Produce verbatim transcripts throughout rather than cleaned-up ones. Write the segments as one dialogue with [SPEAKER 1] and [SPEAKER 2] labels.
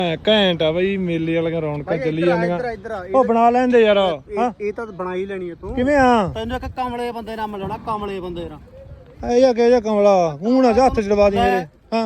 [SPEAKER 1] ਘੈਂਟ ਆ ਬਈ ਮੇਲੇ ਵਾਲੀਆਂ ਰੌਣਕਾਂ ਚੱਲੀ ਜਾਂਦੀਆਂ।
[SPEAKER 2] ਇੱਧਰ ਆ
[SPEAKER 1] ਉਹ ਬਣਾ ਲੈਂਦੇ ਯਾਰ। ਹਾਂ
[SPEAKER 2] ਇਹ ਤਾਂ ਬਣਾ ਹੀ ਲੈਣੀ ਹੈ ਤੂੰ।
[SPEAKER 1] ਕਿਵੇਂ ਆ
[SPEAKER 2] ਤੈਨੂੰ ਇੱਕ ਕਮਲੇ ਬੰਦੇ ਨਾਲ ਮਿਲਾਉਣਾ, ਕਮਲੇ ਬੰਦੇ ਨਾਲ।
[SPEAKER 1] ਇਹ ਜਾ ਕੇ ਜਾ ਕਮਲਾ ਹੁਣ ਆ ਹੱਥ ਚੜਵਾ ਦੀ ਮੇਰੇ। ਹਾਂ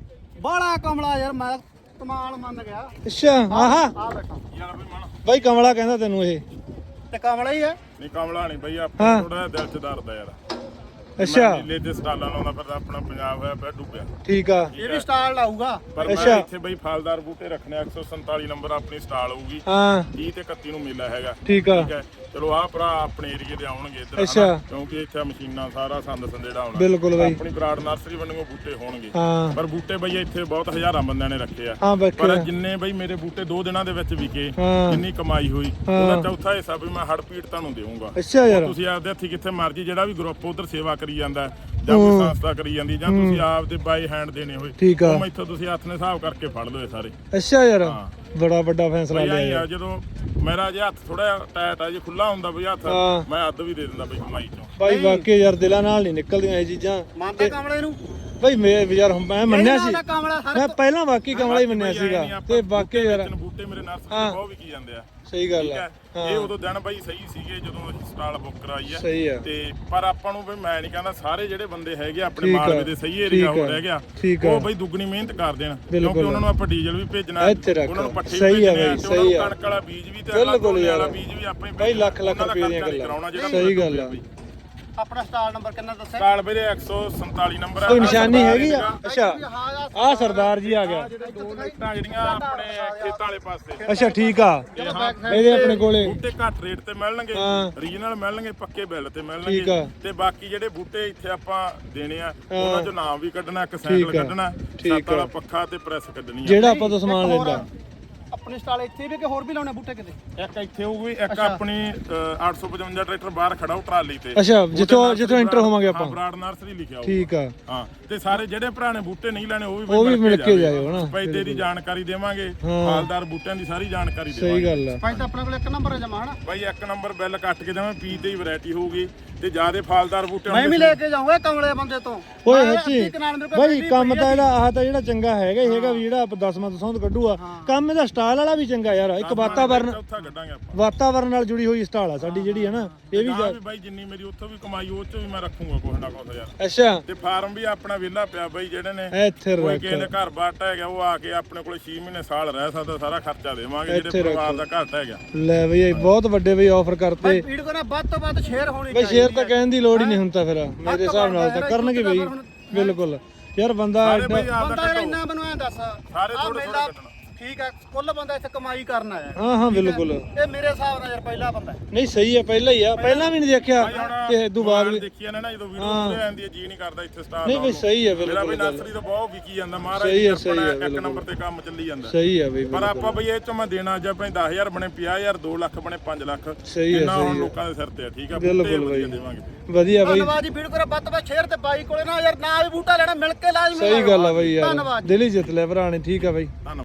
[SPEAKER 2] ਬੜਾ ਕਮਲਾ ਯਾਰ, ਮੈਂ ਕਮਾਲ ਮੰਨ ਗਿਆ।
[SPEAKER 1] ਅੱਛਾ ਆਹਾ
[SPEAKER 2] ਆ ਬੈਠਾ
[SPEAKER 1] ਬਾਈ ਕਮਲਾ ਕਹਿੰਦਾ ਤੈਨੂੰ ਇਹ
[SPEAKER 2] ਤੇ ਕਮਲਾ ਹੀ ਹੈ।
[SPEAKER 3] ਨਹੀਂ ਕਮਲਾ ਨਹੀਂ ਬਈ, ਆਪਾਂ ਥੋੜਾ ਦਿਲ ਚ ਦਰਦ ਆ ਯਾਰ।
[SPEAKER 1] ਅੱਛਾ
[SPEAKER 3] ਮੇਲੇ ਤੇ ਸਟਾਲਾਂ ਲਾਉਂਦਾ ਪਰ ਆਪਣਾ ਪੰਜਾਬ ਹੋਇਆ ਪਿਆ ਡੁੱਬਿਆ।
[SPEAKER 1] ਠੀਕ ਆ
[SPEAKER 2] ਇਹ ਵੀ ਸਟਾਲ ਲਾਊਗਾ।
[SPEAKER 3] ਪਰ ਮੈਂ ਇੱਥੇ ਬਈ ਫਲਦਾਰ ਬੂਟੇ ਰੱਖਣੇ ਇੱਕ ਸੌ ਸੰਤਾਲੀ ਨੰਬਰ ਆਪਣੀ ਸਟਾਲ ਹੋਊਗੀ।
[SPEAKER 1] ਹਾਂ
[SPEAKER 3] ਤੀਹ ਤੇ ਇਕੱਤੀ ਨੂੰ ਮੇਲਾ ਹੈਗਾ।
[SPEAKER 1] ਠੀਕ ਆ
[SPEAKER 3] ਠੀਕ ਹੈ ਚਲੋ ਆਹ ਭਰਾ ਆਪਣੇ ਏਰੀਏ ਦੇ ਆਉਣਗੇ ਇੱਧਰ
[SPEAKER 1] ਅੱਛਾ।
[SPEAKER 3] ਹਨਾ, ਕਿਉਂਕਿ ਇੱਥੇ ਮਸ਼ੀਨਾਂ ਸਾਰਾ ਸੰਦ ਸੰਦੇੜਾ ਆਉਣਾ।
[SPEAKER 1] ਬਿਲਕੁਲ ਬਈ
[SPEAKER 3] ਆਪਣੀ ਬਰਾੜ ਨਰਸਰੀ ਵੱਲੋਂ ਬੂਟੇ ਹੋਣਗੇ।
[SPEAKER 1] ਹਾਂ
[SPEAKER 3] ਪਰ ਬੂਟੇ ਬਈ ਇੱਥੇ ਬਹੁਤ ਹਜ਼ਾਰਾਂ ਬੰਦਿਆਂ ਨੇ ਰੱਖੇ ਆ।
[SPEAKER 1] ਹਾਂ
[SPEAKER 3] ਪਰ
[SPEAKER 1] ਬੱਕੇ
[SPEAKER 3] ਜਿੰਨੇ ਬਈ ਮੇਰੇ ਬੂਟੇ ਦੋ ਦਿਨਾਂ ਦੇ ਵਿੱਚ ਵਿਕੇ,
[SPEAKER 1] ਹਾਂ
[SPEAKER 3] ਜਿੰਨੀ ਕਮਾਈ ਹੋਈ ਉਹਦਾ ਚੌਥਾ ਹਿੱਸਾ ਵੀ ਮੈਂ ਹੜ ਪੀੜ ਤੁਹਾਨੂੰ ਦੇਵਾਂਗਾ।
[SPEAKER 1] ਅੱਛਾ ਯਾਰ
[SPEAKER 3] ਤੁਸੀਂ ਆਪਦੇ ਹੱਥੀ ਕਿੱਥੇ ਮਰਜੀ ਜਿਹੜਾ ਵੀ ਗਰੁੱਪ ਉਧਰ ਸੇਵਾ ਕਰੀ ਜਾਂਦਾ ਜਾਂ ਕੋਈ ਸੰਸਥਾ ਕਰੀ ਜਾਂਦੀ ਜਾਂ ਤੁਸੀਂ ਆਪਦੇ ਬਾਈ ਹੈਂਡ ਦੇਣੇ ਹੋਏ,
[SPEAKER 1] ਠੀਕ ਆ
[SPEAKER 3] ਉਹ ਮੈਥੋਂ ਤੁਸੀਂ ਹੱਥ ਨੇ ਹਿਸਾਬ ਕਰਕੇ ਫੜ ਲਓ ਇਹ ਸਾਰੇ।
[SPEAKER 1] ਅੱਛਾ ਯਾਰ
[SPEAKER 3] ਹਾਂ
[SPEAKER 1] ਬੜਾ ਵੱਡਾ ਫੈਸਲਾ
[SPEAKER 3] ਬਈ
[SPEAKER 1] ਲਿਆ
[SPEAKER 3] ਆਈ
[SPEAKER 1] ਯਾਰ।
[SPEAKER 3] ਆ ਜਦੋਂ ਮੇਰਾ ਜੇ ਹੱਥ ਥੋੜਾ ਜਿਹਾ ਟਾਈਟ ਆ, ਜੇ ਖੁੱਲਾ ਹੁੰਦਾ ਬਈ ਹੱਥ
[SPEAKER 1] ਹਾਂ।
[SPEAKER 3] ਮੈਂ ਅੱਧ ਵੀ ਦੇ ਦਿੰਦਾ ਬਈ ਕਮਾਈ ਚੋਂ।
[SPEAKER 1] ਬਾਈ ਵਾਕਈ ਯਾਰ ਦਿਲਾਂ ਨਾਲ ਨਹੀਂ ਨਿਕਲਦੀਆਂ ਇਹ ਚੀਜ਼ਾਂ।
[SPEAKER 2] ਮੰਨਦਾ ਕਮਲੇ ਨੂੰ
[SPEAKER 1] ਬਾਈ ਮੈਂ ਯਾਰ ਮੈਂ ਮੰਨਿਆ ਸੀ,
[SPEAKER 2] ਕਮਲਾ ਹਰ
[SPEAKER 1] ਮੈਂ ਪਹਿਲਾਂ ਵਾਕਈ ਕਮਲਾ ਹੀ ਮੰਨਿਆ ਸੀਗਾ ਤੇ ਵਾਕਈ ਯਾਰ
[SPEAKER 3] ਬੂਟੇ ਮੇਰੇ ਨਰਸਰੀ ਤੋਂ ਬਹੁਤ ਵਿਕੀ ਜਾਂਦੇ ਆ।
[SPEAKER 1] ਸਹੀ ਗੱਲ
[SPEAKER 3] ਠੀਕ
[SPEAKER 1] ਆ।
[SPEAKER 3] ਹੈ ਇਹ ਉਦੋਂ ਦਿਨ ਬਾਈ ਸਹੀ ਸੀਗੇ ਜਦੋਂ ਅਸੀਂ ਸਟਾਲ ਬੁੱਕ ਕਰਾਈ ਆ।
[SPEAKER 1] ਸਹੀ ਆ
[SPEAKER 3] ਤੇ ਪਰ ਆਪਾਂ ਨੂੰ ਬਈ ਮੈਂ ਨਹੀਂ ਕਹਿੰਦਾ ਸਾਰੇ ਜਿਹੜੇ ਬੰਦੇ ਹੈਗੇ ਆਪਣੇ
[SPEAKER 1] ਠੀਕ ਆ,
[SPEAKER 3] ਮਾਲਵੇ ਦੇ ਸਹੀ ਏਰੀਆ
[SPEAKER 1] ਠੀਕ
[SPEAKER 3] ਹੋ
[SPEAKER 1] ਆ,
[SPEAKER 3] ਰਹਿ ਗਿਆ
[SPEAKER 1] ਠੀਕ ਆ।
[SPEAKER 3] ਉਹ ਬਈ ਦੁੱਗਣੀ ਮਿਹਨਤ ਕਰ ਦੇਣ,
[SPEAKER 1] ਬਿਲਕੁਲ।
[SPEAKER 3] ਕਿਉਂਕਿ ਉਹਨਾਂ ਨੂੰ ਆਪਾਂ ਡੀਜ਼ਲ ਵੀ ਭੇਜਣਾ,
[SPEAKER 1] ਇੱਥੇ ਰੱਖ।
[SPEAKER 3] ਉਹਨਾਂ ਨੂੰ ਪੱਠੇ ਵੀ
[SPEAKER 1] ਸਹੀ ਆ
[SPEAKER 3] ਭੇਜਣੇ
[SPEAKER 1] ਬਈ,
[SPEAKER 3] ਤੇ
[SPEAKER 1] ਸਹੀ
[SPEAKER 3] ਉਹਨਾਂ ਨੂੰ
[SPEAKER 1] ਆ।
[SPEAKER 3] ਕਣਕ ਵਾਲਾ ਬੀਜ ਵੀ ਤੇ
[SPEAKER 1] ਬਿਲਕੁਲ
[SPEAKER 3] ਝੋਨੇ
[SPEAKER 1] ਯਾਰ।
[SPEAKER 3] ਵਾਲਾ ਬੀਜ ਵੀ ਆਪਾਂ ਹੀ
[SPEAKER 1] ਬਾਈ ਲੱਖ ਲੱਖ
[SPEAKER 3] ਉਹਨਾਂ ਦਾ
[SPEAKER 1] ਰੁਪਏ ਦੀਆਂ
[SPEAKER 3] ਖਰਚਾ ਨਹੀਂ
[SPEAKER 1] ਗੱਲਾਂ।
[SPEAKER 3] ਕਰਾਉਣਾ ਜਿਹੜਾ
[SPEAKER 1] ਸਹੀ ਗੱਲ ਆ।
[SPEAKER 2] ਆਪਣਾ ਸਟਾਲ ਨੰਬਰ ਕਿੰਨਾ ਦੱਸਿਆ?
[SPEAKER 3] ਸਟਾਲ ਵੀਰੇ ਇੱਕ ਸੌ ਸੰਤਾਲੀ ਨੰਬਰ ਆ।
[SPEAKER 1] ਕੋਈ ਨਿਸ਼ਾਨੀ ਹੈਗੀ ਆ? ਅੱਛਾ
[SPEAKER 2] ਹਾਂ
[SPEAKER 1] ਆ ਸਰਦਾਰ ਜੀ ਆ ਗਿਆ।
[SPEAKER 3] ਦੋ ਲਾਈਟਾਂ ਜਿਹੜੀਆਂ ਆਪਣੇ ਖੇਤਾਂ ਵਾਲੇ ਪਾਸੇ
[SPEAKER 1] ਅੱਛਾ ਠੀਕ ਆ ਇਹਦੇ ਆਪਣੇ ਕੋਲੇ
[SPEAKER 3] ਬੂਟੇ ਘੱਟ ਰੇਟ ਤੇ ਮਿਲਣਗੇ,
[SPEAKER 1] ਹਾਂ।
[SPEAKER 3] ਰੀਜਨਲ ਮਿਲਣਗੇ, ਪੱਕੇ ਬਿੱਲ ਤੇ
[SPEAKER 1] ਠੀਕ
[SPEAKER 3] ਮਿਲਣਗੇ।
[SPEAKER 1] ਆ।
[SPEAKER 3] ਤੇ ਬਾਕੀ ਜਿਹੜੇ ਬੂਟੇ ਇੱਥੇ ਆਪਾਂ ਦੇਣੇ ਆ
[SPEAKER 1] ਹਾਂ।
[SPEAKER 3] ਉਹਨਾਂ ਚੋਂ ਨਾਮ ਵੀ ਕੱਢਣਾ, ਇੱਕ
[SPEAKER 1] ਠੀਕ
[SPEAKER 3] ਸਾਈਕਲ
[SPEAKER 1] ਆ,
[SPEAKER 3] ਕੱਢਣਾ,
[SPEAKER 1] ਠੀਕ
[SPEAKER 3] ਸੱਤ ਵਾਲਾ
[SPEAKER 1] ਆ।
[SPEAKER 3] ਪੱਖਾ ਤੇ ਪ੍ਰੈਸ ਕੱਢਣੀ ਆ।
[SPEAKER 1] ਜਿਹੜਾ ਆਪਾਂ ਤੋਂ ਸਮਾਨ ਲੈਂਦਾ।
[SPEAKER 2] ਆਪਣੇ ਸਟਾਲ ਇੱਥੇ ਵੀ ਕਿ ਹੋਰ ਵੀ ਲਾਉਣੇ ਬੂਟੇ ਕਿਤੇ?
[SPEAKER 3] ਇੱਕ ਇੱਥੇ ਹੋਊਗੀ, ਇੱਕ ਆਪਣੀ ਅ, ਅੱਠ ਸੌ ਪਚਵੰਜਾ ਟਰੈਕਟਰ ਬਾਹਰ ਖੜਾ ਉਹ ਟਰਾਲੀ ਤੇ।
[SPEAKER 1] ਅੱਛਾ
[SPEAKER 3] ਉਹਤੇ
[SPEAKER 1] ਜਿੱਥੋਂ
[SPEAKER 3] ਨਰਸਰੀ
[SPEAKER 1] ਜਿੱਥੋਂ ਐਂਟਰ
[SPEAKER 3] ਬਰਾੜ-
[SPEAKER 1] ਹੋਵਾਂਗੇ
[SPEAKER 3] ਹਾਂ,
[SPEAKER 1] ਆਪਾਂ।
[SPEAKER 3] ਬਰਾੜ ਨਰਸਰੀ ਲਿਖਿਆ ਹੋਊਗਾ।
[SPEAKER 1] ਠੀਕ ਆ
[SPEAKER 3] ਹਾਂ ਤੇ ਸਾਰੇ ਜਿਹੜੇ ਭਰਾ ਨੇ ਬੂਟੇ ਨਹੀਂ ਲੈਣੇ ਉਹ ਵੀ
[SPEAKER 1] ਉਹ ਵੀ ਮਿਲ ਕੇ ਜਾਇਓ ਹਨਾ।
[SPEAKER 3] ਪੈਦੇ ਦੀ ਜਾਣਕਾਰੀ ਦੇਵਾਂਗੇ,
[SPEAKER 1] ਹਾਂ।
[SPEAKER 3] ਫਲਦਾਰ ਬੂਟਿਆਂ ਦੀ ਸਾਰੀ ਜਾਣਕਾਰੀ
[SPEAKER 1] ਸਹੀ
[SPEAKER 3] ਦੇਵਾਂਗੇ।
[SPEAKER 1] ਗੱਲ ਆ।
[SPEAKER 2] ਭਾਈ ਤਾਂ ਆਪਣੇ ਕੋਲ ਇੱਕ ਨੰਬਰ ਹੈ ਜਮਾ ਹਨਾ।
[SPEAKER 3] ਬਾਈ ਇੱਕ ਨੰਬਰ ਬਿੱਲ ਕੱਟ ਕੇ ਦੇਵਾਂ, ਪੀ ਤੇ ਹੀ ਵੈਰਾਈਟੀ ਹੋਊਗੀ ਤੇ ਜਿਆਦੇ ਫਲਦਾਰ ਬੂਟੇ
[SPEAKER 2] ਮੈਂ ਵੀ ਲੈ ਕੇ ਜਾਊਂਗਾ ਕਮਲੇ ਬੰਦੇ ਤੋਂ।
[SPEAKER 1] ਓਏ
[SPEAKER 2] ਮੈਂ
[SPEAKER 1] ਸੱਚੀ
[SPEAKER 2] ਅੱਧੀ ਕਨਾਲ ਮੇਰੇ ਕੋਲ
[SPEAKER 1] ਬਾਈ
[SPEAKER 2] ਪਹਿਲੀ
[SPEAKER 1] ਕੰਮ
[SPEAKER 2] ਪਈ
[SPEAKER 1] ਤਾਂ
[SPEAKER 2] ਆ।
[SPEAKER 1] ਇਹਦਾ ਆਹ ਤਾਂ ਜਿਹੜਾ ਚੰਗਾ ਹੈਗਾ ਹੀ ਹੈਗਾ ਵੀ ਜਿਹੜਾ ਆਪਾਂ ਦਸਵਾਂ ਦਸੌਂਦ ਕੱਢੂਆ। ਕੰਮ ਇਹਦਾ ਸਟਾਲ ਵਾਲਾ ਵੀ ਚੰਗਾ ਯਾਰ। ਇੱਕ ਵਾਤਾਵਰਨ
[SPEAKER 3] ਚੌਥਾ ਕੱਢਾਂਗੇ ਆਪਾਂ।
[SPEAKER 1] ਵਾਤਾਵਰਨ ਨਾਲ ਜੁੜੀ ਹੋਈ ਸਟਾਲ ਆ ਸਾਡੀ ਜਿਹੜੀ ਹੈ ਨਾ ਇਹ ਵੀ
[SPEAKER 3] ਵੀ ਬਾਈ ਜਿੰਨੀ ਮੇਰੀ ਉੱਥੋਂ ਵੀ ਕਮਾਈ ਉਹ ਚੋਂ ਵੀ ਮੈਂ ਰੱਖੂਗਾ ਕੁਛ ਨਾ ਕੁਛ ਯਾਰ।
[SPEAKER 1] ਅੱਛਾ
[SPEAKER 3] ਤੇ ਫਾਰਮ ਵੀ ਆਪਣਾ ਵਿਹਲਾ ਪਿਆ ਬਾਈ, ਜਿਹੜੇ ਨੇ
[SPEAKER 1] ਇੱਥੇ
[SPEAKER 3] ਕੋਈ
[SPEAKER 1] ਰੱਖ
[SPEAKER 3] ਕਿਸੇ ਨੇ ਘਰ ਬਾਟ ਹੈਗਾ ਉਹ ਆ ਕੇ ਆਪਣੇ ਕੋਲ ਛੇ ਮਹੀਨੇ ਸਾਲ ਰਹਿ ਸਕਦਾ, ਸਾਰਾ ਖਰਚਾ ਦੇਵਾਂਗੇ।
[SPEAKER 1] ਇੱਥੇ
[SPEAKER 3] ਜਿਹੜੇ ਪਰਿਵਾਰ
[SPEAKER 1] ਰੱਖੋ।
[SPEAKER 3] ਦਾ ਘਰ ਹੈਗਾ
[SPEAKER 1] ਲੈ ਬਈ ਬਹੁਤ ਵੱਡੇ ਬਈ ਆਫਰ ਕਰਤੇ
[SPEAKER 2] ਭਾਈ ਵੀਡੀਓ ਕੋਲ ਨਾ ਵੱਧ ਤੋਂ ਵੱਧ ਸ਼ੇਅਰ ਹੋਣੀ
[SPEAKER 1] ਬਈ ਸ਼ੇਅਰ ਤਾਂ ਕਹਿਣ ਦੀ ਲੋੜ ਹੀ ਨਹੀਂ ਹੁਣ ਤਾਂ ਫਿਰ ਮੇਰੇ
[SPEAKER 2] ਤੋਂ
[SPEAKER 1] ਹਿਸਾਬ ਨਾਲ
[SPEAKER 2] ਵੱਧ
[SPEAKER 1] ਤਾਂ ਕਰਨਗੇ ਬਈ ਬਿਲਕੁਲ ਯਾਰ ਬੰਦਾ
[SPEAKER 3] ਸਾਰੇ
[SPEAKER 1] ਐਡਾ-
[SPEAKER 3] ਬਈ ਆਪਦਾ
[SPEAKER 2] ਬੰਦਾ ਯਾਰ
[SPEAKER 3] ਕੱਢੋ।
[SPEAKER 2] ਇੰਨਾ ਮੈਨੂੰ ਐਂ ਦੱਸ
[SPEAKER 3] ਸਾਰੇ
[SPEAKER 2] ਆਹ
[SPEAKER 3] ਥੋੜ੍ਹਾ
[SPEAKER 2] ਮੇਲਾ
[SPEAKER 3] ਥੋੜ੍ਹਾ ਕੱਢਣਾ।
[SPEAKER 2] ਠੀਕ ਆ, ਕੁੱਲ ਬੰਦਾ ਇੱਥੇ ਕਮਾਈ ਕਰਨ ਆਇਆ।
[SPEAKER 1] ਹਾਂ ਹਾਂ ਬਿਲਕੁਲ
[SPEAKER 2] ਇਹ ਮੇਰੇ ਹਿਸਾਬ ਨਾਲ ਯਾਰ ਪਹਿਲਾ ਬੰਦਾ ਹੈ।
[SPEAKER 1] ਨਹੀਂ ਸਹੀ ਹੈ ਪਹਿਲਾਂ ਹੀ ਆ ਪਹਿਲਾਂ ਵੀ ਨਹੀਂ ਦੇਖਿਆ ਤੇ ਇਦੋਂ ਬਾਅਦ ਵੀ
[SPEAKER 3] ਦੇਖੀਆਂ ਨੇ ਨਾ ਜਦੋਂ ਵੀਡੀਓ ਪੂਰੇ ਆਂਦੀ ਹੈ ਜੀ ਨਹੀਂ ਕਰਦਾ ਇੱਥੇ ਸਟਾਰ
[SPEAKER 1] ਨਹੀਂ ਬਈ ਸਹੀ ਹੈ
[SPEAKER 3] ਮੇਰਾ ਬਈ
[SPEAKER 1] ਬਿਲਕੁਲ
[SPEAKER 3] ਨਰਸਰੀ ਤੋਂ ਬਹੁਤ ਵਿਕੀ ਜਾਂਦਾ, ਮਹਾਰਾਜ
[SPEAKER 1] ਸਹੀ
[SPEAKER 3] ਦੀ
[SPEAKER 1] ਹੈ, ਸਹੀ
[SPEAKER 3] ਕਿਰਪਾ
[SPEAKER 1] ਹੈ,
[SPEAKER 3] ਨਾਲ ਇੱਕ
[SPEAKER 1] ਬਿਲਕੁਲ।
[SPEAKER 3] ਨੰਬਰ ਤੇ ਕੰਮ ਚੱਲੀ ਜਾਂਦਾ।
[SPEAKER 1] ਸਹੀ ਹੈ ਬਈ
[SPEAKER 3] ਪਰ ਆਪਾਂ ਬਈ ਇਹ ਚੋਂ ਮੈਂ ਦੇਣਾ ਜੇ ਆਪਣੇ ਦਸ ਹਜ਼ਾਰ ਬਣੇ ਪੰਜਾਹ ਹਜ਼ਾਰ ਦੋ ਲੱਖ ਬਣੇ ਪੰਜ ਲੱਖ
[SPEAKER 1] ਸਹੀ ਹੈ,
[SPEAKER 3] ਇੰਨਾ ਹੁਣ
[SPEAKER 1] ਸਹੀ ਹੈ।
[SPEAKER 3] ਲੋਕਾਂ ਦੇ ਸਿਰ ਤੇ ਆ। ਠੀਕ ਆ
[SPEAKER 1] ਬਿਲਕੁਲ
[SPEAKER 3] ਬੂਟੇ
[SPEAKER 1] ਬਈ।
[SPEAKER 3] ਵਧੀਆ ਦੇਵਾਂਗੇ।
[SPEAKER 1] ਵਧੀਆ ਬਈ
[SPEAKER 2] ਧੰਨਵਾਦ ਜੀ ਵੀਡੀਓ ਕੋਲ ਵੱਧ ਤੋਂ ਵੱਧ ਸ਼ੇਅਰ ਤੇ ਬਾਈ ਕੋਲੇ ਨਾ ਯਾਰ ਨਾ ਵੀ ਬੂਟਾ ਲੈਣਾ ਮਿਲ ਕੇ ਲਾਜ਼ਮੀ
[SPEAKER 1] ਸਹੀ ਗੱਲ ਆ ਬਈ ਯਾਰ
[SPEAKER 2] ਧੰਨਵਾਦ ਜੀ।
[SPEAKER 1] ਦਿਲ ਹੀ ਜਿੱਤ ਲਿਆ ਭਰਾ ਨੇ। ਠੀਕ ਆ ਬਈ।
[SPEAKER 3] ਧੰਨਵਾਦ।